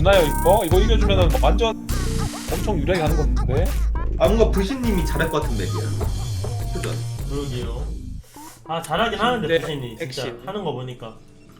이겨주나요 이거? 이거 이겨주면은 완전 엄청 유리하게 가는 건데. 아 뭔가 부신님이 잘할 것 같은 맵이야. 그죠? 그러게요. 아 잘하긴 하는데 네, 부신이 진짜 핵심. 하는 거 보니까.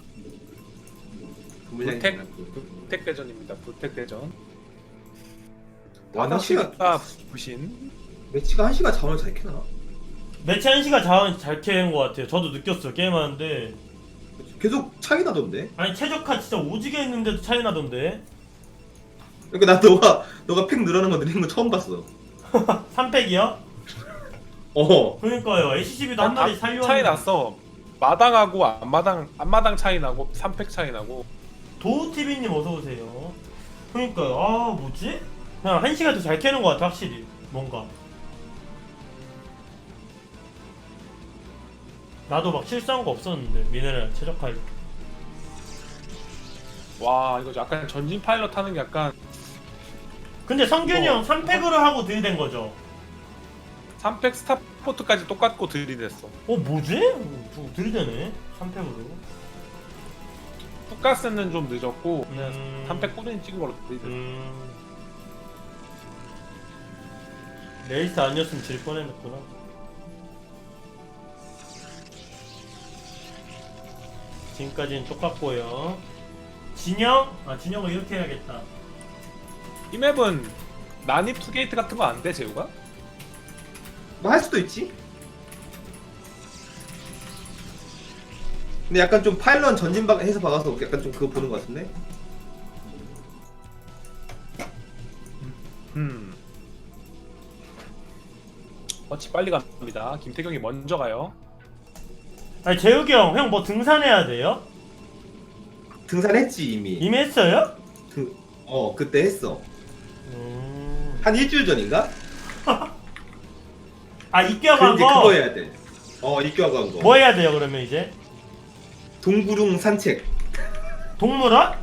불택 대전입니다. 불택 대전. 와, 나 시간 부신. 매치가 1시간 자원을 잘 캐나? 매치 1시가 자원 잘 캐는 것 같아요. 저도 느꼈어요 게임하는데. 계속 차이 나던데. 아니 최적화 진짜 오지게 했는데도 차이 나던데. 그러니까 나 너가 팩 늘어나는 거 느린 거 처음 봤어. 3팩이요? 그러니까요. HCB도 한 마리 살려. 차이 났어. 마당하고 앞마당 차이 나고 3팩 차이 나고. 도우TV님 어서오세요. 그러니까요. 아 뭐지? 그냥 1시간 더 잘 캐는 것 같아 확실히. 뭔가 나도 막 실수한 거 없었는데 미네랄 최적화할 때. 와 이거 약간 전진 파일럿 하는 게 약간 근데 성균이 형 3팩으로 하고 들이댄 거죠? 3팩 스타포트까지 똑같고 들이댔어. 뭐지? 들이대네 3팩으로. 뚜가스는 좀 늦었고 3팩 꾸준히 찍은 걸로 들이댔어. 레이스 아니었으면 질 뻔했구나. 지금까지는 똑같고요. 진영? 아 진영을 이렇게 해야겠다. 이 맵은 난입 투게이트 같은 거 안 돼, 재우가? 뭐 할 수도 있지. 근데 약간 좀 파일런 해서 박아서 약간 좀 그거 보는 것 같은데. 어찌 빨리 갑니다. 김태경이 먼저 가요. 아니 재욱이 형 뭐 등산해야 돼요? 등산했지 이미. 이미 했어요? 그때 했어. 한 일주일 전인가? 아 입교하고 한 이제 거? 그거 해야 돼. 입교하고 한 거. 뭐 해야 돼요 그러면 이제? 동구릉 산책. 동물원?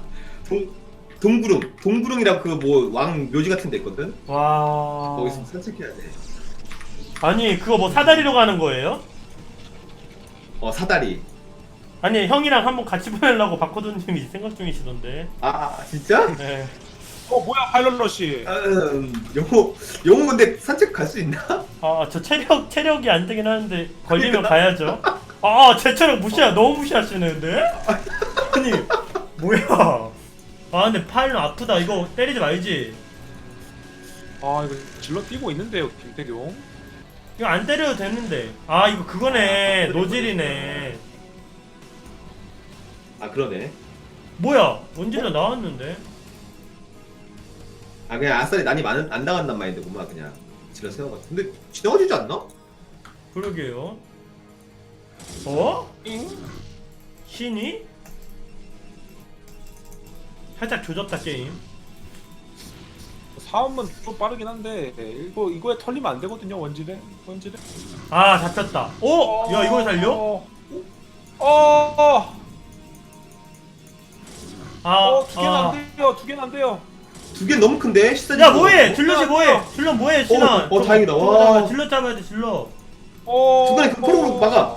동구릉이라고 그 뭐 왕 묘지 같은 데 있거든. 와... 거기서 산책해야 돼. 아니 그거 뭐 사다리로 가는 거예요? 사다리. 아니 형이랑 한번 같이 보내려고 박호돈님이 생각 중이시던데. 진짜? 네. 뭐야 파일럿러시. 영호 근데 산책 갈 수 있나? 저 체력이 안 되긴 하는데 걸리면 가야죠. 제 체력 너무 무시하시는데? 아니 뭐야? 근데 파일은 아프다. 이거 때리지 말지. 이거 질러 뛰고 있는데요, 김태경. 이거 안 때려도 되는데. 이거 그거네. 노질이네. 그러네. 뭐야? 원질러 나왔는데? 그냥 아싸리 난이 안 나간단 마인드구만. 그냥 지나 세워가. 근데 지나가지지 않나? 그러게요. 신이? 살짝 조졌다 게임. 사원은 좀 빠르긴 한데 이거에 털리면 안 되거든요, 원질에. 잡혔다. 야 이걸 살려? 두 개는 안 돼요. 두 개는 안 돼요. 두 개 너무 큰데? 야 뭐해? 질럿이 뭐해? 질럿 뭐해? 신아. 다행이다. 와. 질럿 잡아야 돼 질럿. 중간에 그 프로그램 막아.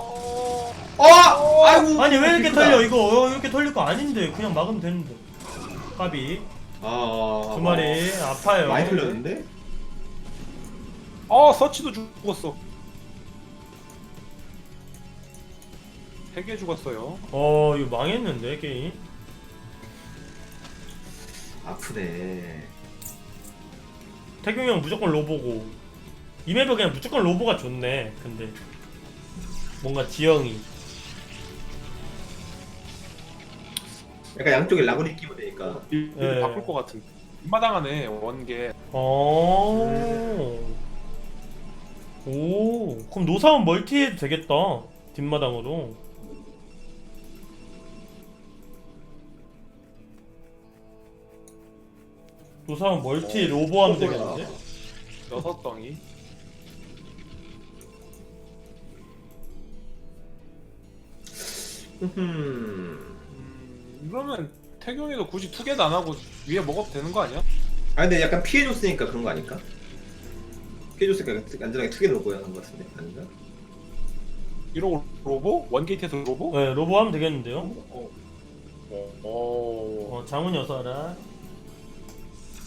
아이고. 아니 왜 이렇게 비프다. 털려 이거? 이렇게 털릴 거 아닌데 그냥 막으면 되는데. 까비. 두 마리 아파요. 많이 털렸는데? 서치도 죽었어. 3개 죽었어요. 이거 망했는데 게임. 아프네. 태경이 형 무조건 로보고 이 맵은 그냥 무조건 로보가 좋네. 근데 뭔가 지형이 약간 양쪽에 라구리 끼면 되니까. 이거 바꿀 것 같은. 뒷마당하네 원개. 그럼 노사원 멀티 해도 되겠다. 뒷마당으로. 노사원 멀티 로보 하면 되겠는데? 6덩이. 그러면 태경이도 굳이 투게도 안 하고 위에 먹어도 되는 거 아니야? 근데 약간 피해줬으니까 그런 거 아닐까? 피해줬으니까 안전하게 투게를 먹어야 하는 거 같은데? 아닌가? 이러고 로보? 원게이트에서 로보? 네 로보 하면 되겠는데요? 어. 장훈이 어서 와라.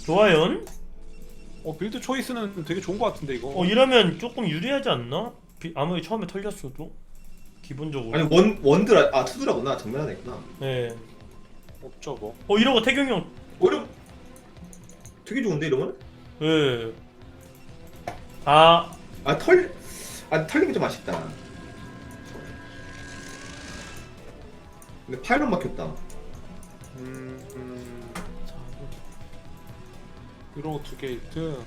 좋아요. 빌드 초이스는 되게 좋은 것 같은데 이거. 이러면 조금 유리하지 않나? 아무리 처음에 털렸어도 기본적으로. 아니 원드라 투드라구나. 정면 하나 있구나. 네. 없죠 뭐. 이러고 태경이 형. 이러 되게 좋은데 이러면? 예. 아, 털린 게 좀 아쉽다. 근데 파일럿 막혔다. 이러고 2게이트.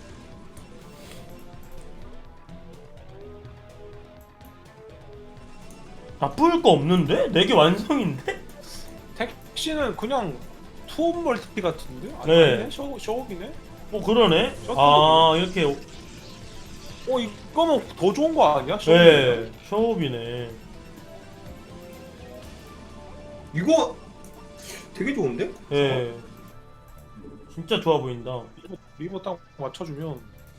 나쁠 거 없는데? 4개 완성인데? 택시는 그냥 투업 멀티 같은데? 네. 아니네? 쇼업이네? 그러네. 이렇게. 이거면 더 좋은 거 아니야? 네, 쇼업이네. 이거 되게 좋은데? 예. 진짜 좋아 보인다. 리버 딱 맞춰주면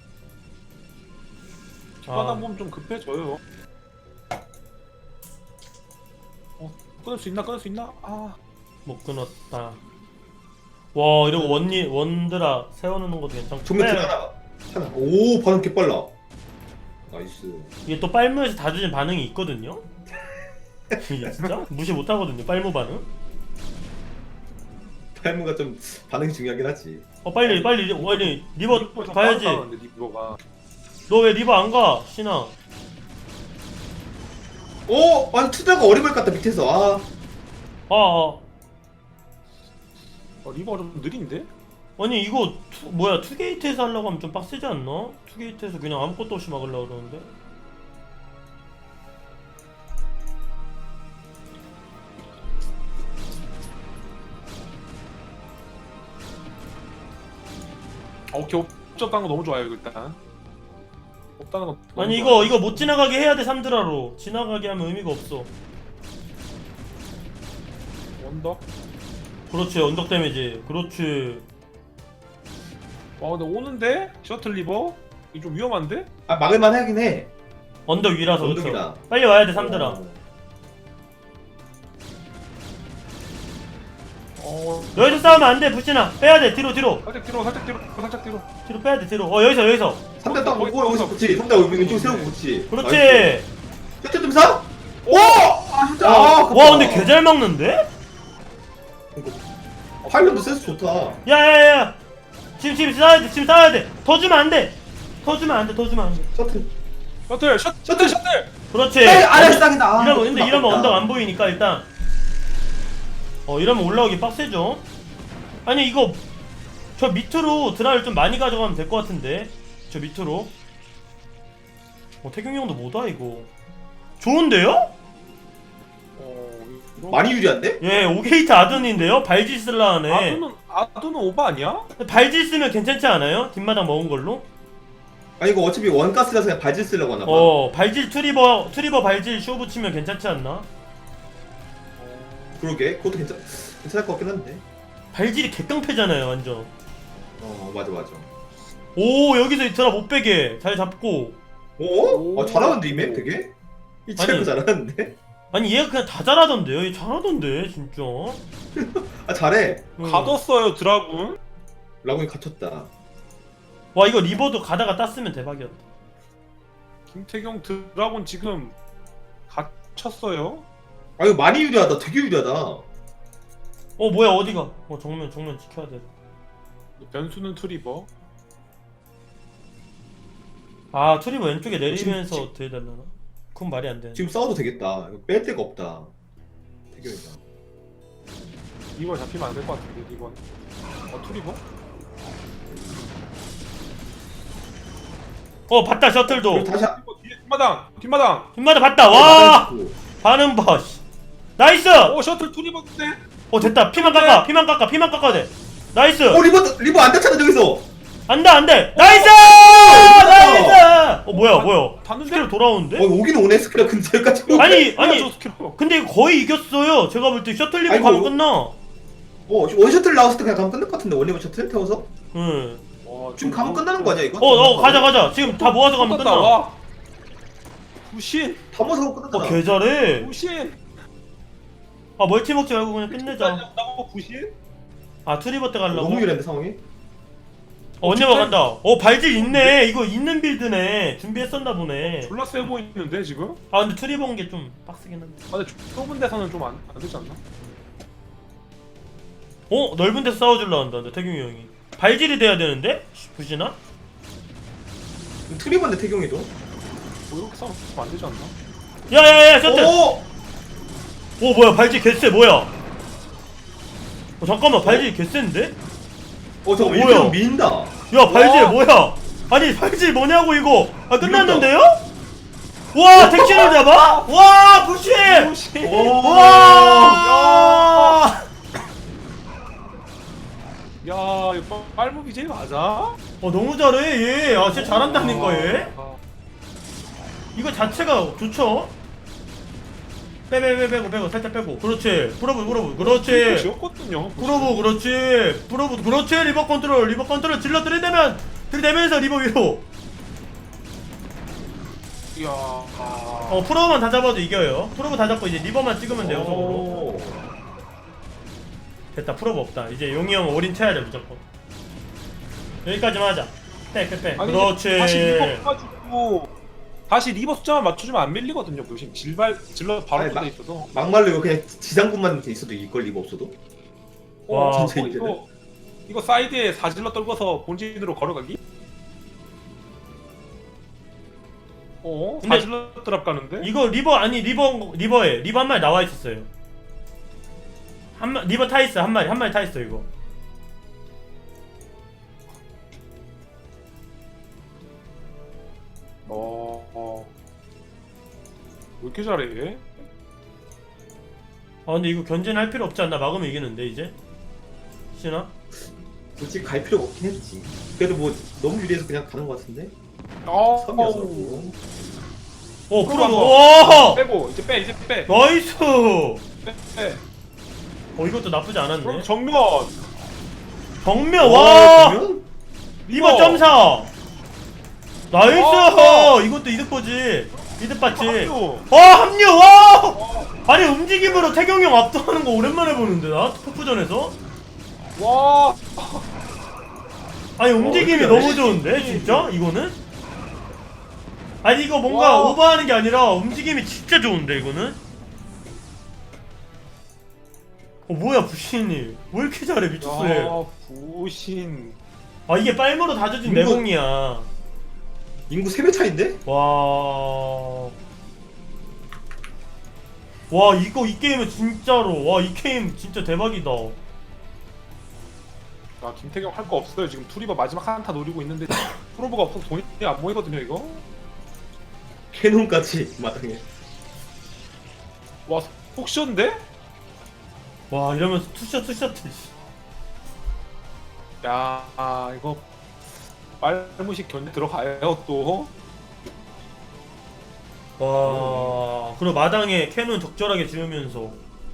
뒷바닥 보면 좀 급해져요. 끊을 수 있나? 끊을 수 있나? 못 끊었다. 와, 이러고 원드라 세워놓는 것도 괜찮고. 정면 네. 하나. 오 반응 개빨라. 나이스. 이게 또 빨무에서 다 주는 반응이 있거든요? 이게 진짜? 무시 못하거든요, 빨무 반응? 탈무가 좀 반응이 중요하긴 하지. 빨리 리버 가야지. 리버가. 너 왜 리버 안 가, 신아? 아니 투드라가 어리버리 같다 밑에서. 리버가 좀 느린데? 아니 이거 투게이트에서 하려고 하면 좀 빡세지 않나? 투게이트에서 그냥 아무것도 없이 막으려고 그러는데. 오케이. 옵적 간 거 너무 좋아요 일단. 없다는 건 너무 아니 좋아요. 이거 못 지나가게 해야 돼. 3드라로 지나가게 하면 의미가 없어. 원더? 그렇지, 언덕 데미지. 그렇지. 근데 오는데? 셔틀 리버? 이거 좀 위험한데? 막을만 하긴 해. 언덕 위라서. 언덕이라. 그렇죠. 빨리 와야 돼 3드라. 여기서 싸우면 안 돼. 부신아 빼야 돼. 뒤로 살짝 뒤로. 뒤로 빼야 돼. 뒤로. 여기서 3대 딱 거기, 오고 여기서 거기서. 붙지. 3대 왼쪽 세우고 붙지. 그렇지. 셔틀 좀 사? 진짜. 와 근데 개 잘 막는데? 파일럿도 센스 좋다. 야야야. 지금 싸워야 돼. 더 주면 안 돼. 더 주면 안 돼. 셔틀. 셔틀. 그렇지. 아래상이다. 이러면 언덕 안 보이니까 일단. 이러면 올라오기 빡세죠. 아니 이거 저 밑으로 드라를 좀 많이 가져가면 될 것 같은데. 저 밑으로. 태경이 형도 뭐다 이거. 좋은데요? 많이 유리한데? 예, 5게이트 아둔인데요? 발질 쓸라 하네. 아두는 오바 아니야? 발질 쓰면 괜찮지 않아요? 뒷마당 먹은 걸로? 아니 이거 어차피 원가스라서 그냥 발질 쓰려고 하나 봐. 발질 트리버 발질 쇼 붙이면 괜찮지 않나? 그러게. 그것도 괜찮을 것 같긴 한데. 발질이 개깡패잖아요, 완전. 맞아. 오, 여기서 드라 못 빼게. 잘 잡고. 잘하는데 이맵 되게? 이 친구 아니. 잘하는데? 아니, 얘가 그냥 다 잘하던데요? 얘 잘하던데, 진짜. 잘해. 가뒀어요 드라군. 라군이 갇혔다. 와, 이거 리버도 가다가 땄으면 대박이었다. 김태경 드라군 지금 갇혔어요. 이거 많이 유리하다. 되게 유리하다. 뭐야, 어디가? 정면 지켜야 돼. 변수는 트리버. 트리버 왼쪽에 내리면서 어떻게 되려나? 그건 말이 안 되네. 지금 싸워도 되겠다. 이거 뺄 데가 없다. 태경이가. 이번 잡히면 안 될 것 같은데 이번. 트리버? 봤다, 셔틀도. 그리고 다시 뒷마당. 뒷마다 봤다. 와! 반응 봐. 나이스! 셔틀 트리버인데? 됐다. 피만 깎아 돼. 나이스! 리버 안 닫잖아 저기서. 안 돼! 나이스! 뭐야. 봤는데? 스킬 돌아오는데? 오긴 오네 스크랩 근처까지. 아니, 저 스킬로. 근데 거의 이겼어요. 제가 볼 때 셔틀 리버 아이고. 가면 끝나. 원셔틀 나왔을 때 그냥 가면 끝날 것 같은데. 원리버 셔틀 태워서? 응. 지금 가면 끝나는 거 아니야 이거? 가자. 지금 다 모아서 가면 끝나. 와. 부신. 다 모아서 가면 끝나잖아. 개 잘해. 부신. 멀티 먹지 말고 그냥 끝내자. 나고 부신? 트리버 때 가려고? 너무 유리한데 상황이? 언제만 간다. 발질 있네. 이거 있는 빌드네. 준비했었나 보네. 졸라 세 보이는데 지금? 아 근데 트리 본 게 좀 빡세긴 한데. 아 근데 좁은 데서는 좀 안 되지 않나? 넓은 데서 싸워줄라 한다. 근데 태경이 형이 발질이 돼야 되는데? 부시나? 트리번데 태경이도. 뭐 이렇게 싸우면 안 되지 않나? 야야야 셔틀. 오! 뭐야 발질 개쎄 뭐야? 잠깐만 발질 개쎄인데? 저거 뭐야? 일부러 민다. 야 발질 와. 뭐야? 아니 발질 뭐냐고 이거? 끝났는데요? 와 택시를 잡아? 와 부시! 와! 야 이거 빨무 BJ 맞아? 너무 잘해 얘. 진짜 잘한다니까 얘. 이거 자체가 좋죠? 빼고 살짝 빼고. 그렇지. 프로브 그렇지. 지웠거든요. 그렇지. 리버 컨트롤 질러 들이대면서 리버 위로. 이야. 프로브만 다 잡아도 이겨요. 프로브 다 잡고 이제 리버만 찍으면 돼요. 속으로. 됐다. 프로브 없다. 이제 용이 형 올인 쳐야 돼 무조건. 여기까지만 하자. 빼. 아니, 그렇지. 다시 리버 가지고 다시 리버 숫자만 맞춰주면 안 밀리거든요. 무슨 질러 바로 아니, 돼 있어서. 막말로 이거 그냥 지상군만 돼 있어도 이걸 리가 없어도. 와, 진짜 이제는. 이거 사이드에 4질러 떨궈서 본진으로 걸어가기? 근데 4질러 드랍 가는데? 이거 리버에 리버 한 마리 나와 있었어요. 리버 타 있어 한 마리 타 있어 이거. 왜 이렇게 잘해 얘? 근데 이거 견제는 할 필요 없지 않나? 막으면 이기는데 이제? 시나? 굳이 갈 필요가 없긴 했지. 그래도 뭐 너무 유리해서 그냥 가는 것 같은데. 섬이어서. 프로브. 오! 빼고 이제 빼. 나이스. 빼. 이것도 나쁘지 않았네. 그럼 정면. 정면 와. 그러면? 리버 점사. 나이스. 이것도 이득 보지. 이득 봤지. 합류. 와. 아니 움직임으로 태경이 형 압도하는 거 오랜만에 보는데 나 포프전에서. 와. 아니 움직임이 어떻게 너무 하네? 좋은데 진짜 이거는? 아니 이거 뭔가 와. 오버하는 게 아니라 움직임이 진짜 좋은데 이거는? 뭐야 부신이 왜 이렇게 잘해 미쳤어 얘. 부신. 이게 빨무로 다져진 이거- 내공이야. 인구 3배 차인데? 와 이 게임은 진짜로 이 게임 진짜 대박이다. 김태경 할 거 없어요. 지금 투리버 마지막 한타 노리고 있는데 프로브가 없어서 돈이 안 모이거든요 이거. 캐논까지 마땅해. 와 폭쇼인데? 이러면서 투셔트 야 이거 빨무식 견제 들어가요 또. 그리고 마당에 캐논 적절하게 지으면서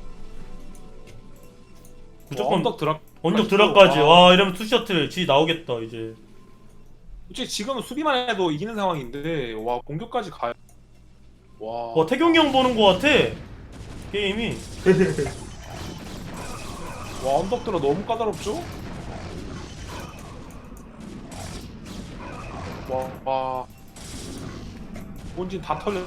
무조건 언덕 드랍까지. 이러면 투셔틀 지 나오겠다 이제. 솔직히 지금은 수비만 해도 이기는 상황인데 와 공격까지 가요. 와 태경이 형 보는 거 같아 게임이. 와 언덕 들어 너무 까다롭죠? 와 본진 다 털렸어.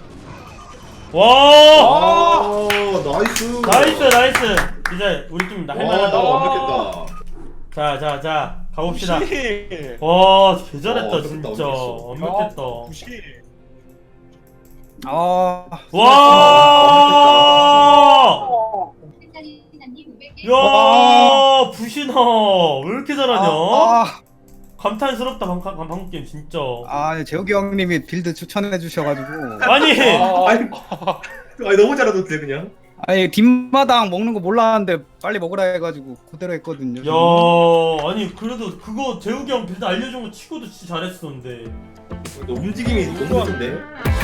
와 나이스. 나이스. 이제 우리 팀 할만하다. 완벽했다. 자 가봅시다. 부시. 개잘했다 완벽했다, 진짜. 완벽했어. 완벽했다. 부시. 야 부신아 왜 이렇게 잘하냐? 감탄스럽다 방금 게임 진짜. 재욱이 형님이 빌드 추천해 주셔가지고 아니 아니 너무 잘하던데 그냥. 뒷마당 먹는 거 몰랐는데 빨리 먹으라 해가지고 그대로 했거든요. 아니 그래도 그거 재욱이 형 빌드 알려준 거 치고도 진짜 잘했었는데. 움직임이 너무 좋던데.